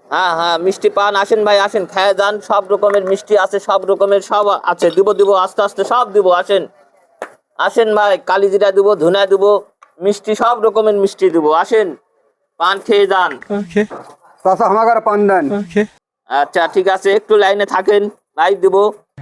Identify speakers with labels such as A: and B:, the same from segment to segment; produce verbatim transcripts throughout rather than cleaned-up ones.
A: হ্যাঁ হ্যাঁ মিষ্টি পান, আসেন ভাই আসেন, খেয়ে যান, সব রকমের মিষ্টি আছে, সব রকমের সব আছে, দিব দিব আস্তে আস্তে সব দিব, আসেন আসেন ভাই, কালিজিরা দিব, ধুনা দিব, মিষ্টি সব রকমের মিষ্টি দিব, আসেন পান খেয়ে যান।
B: Okay.
C: চাচা আমার ঘরে পান দেন।
B: Okay.
A: আচ্ছা ঠিক আছে, একটু লাইনে থাকেন, লাইট দিব।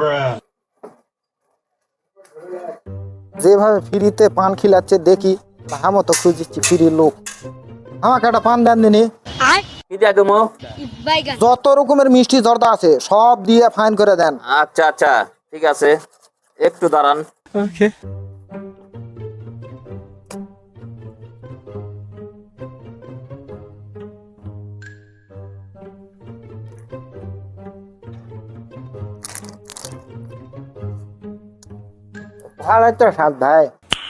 D: যেভাবে ফ্রিতে পান খিলাচ্ছে দেখি, আমও তো খুঁজছি ফ্রি লোক। আমাকে একটা পান দেন দিনি।
A: কি দিয়া দেবো?
D: যত রকমের মিষ্টি জর্দা আছে সব দিয়ে ফাইন করে দেন।
A: আচ্ছা আচ্ছা ঠিক আছে, একটু দাঁড়ান।
B: Okay.
D: ভালো তো স্বাদ ভাই।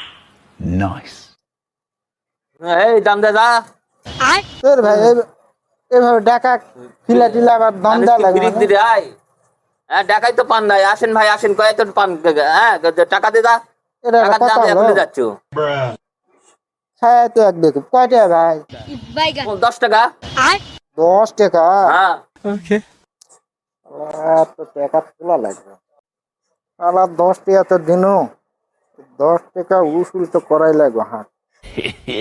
A: এই দাম দে যা।
D: তোর ভাই এই- এইভাবে ডাকা খিলা টিলা আবার দাম দেওয়া লাগে
A: ফিরিক
D: মানে।
A: দিরে আয়। হ্যাঁ টাকাই তো পান নাই, আসেন ভাই আসেন, কয় তো পান, হ্যাঁ টাকা দে যা,
D: এটা
A: টাকা
D: কথা
A: দাম
D: হলো?
A: এখনই যাচ্ছ।
D: হ্যাঁ তো এক বেকুব কয়টা ভাই?
A: ও, দশ টাকা।
D: দশ টাকা?
A: হ্যাঁ
B: Okay.
D: আর তো টাকা তোলা লাগবে। আলা দশ টাকা তো দিনু, দশ টাকা উসুল তো করাই লাগবে। হ্যাঁ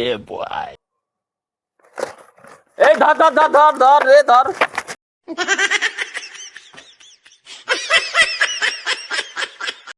A: এই ধর ধর ধর ধর ধর রে ধর।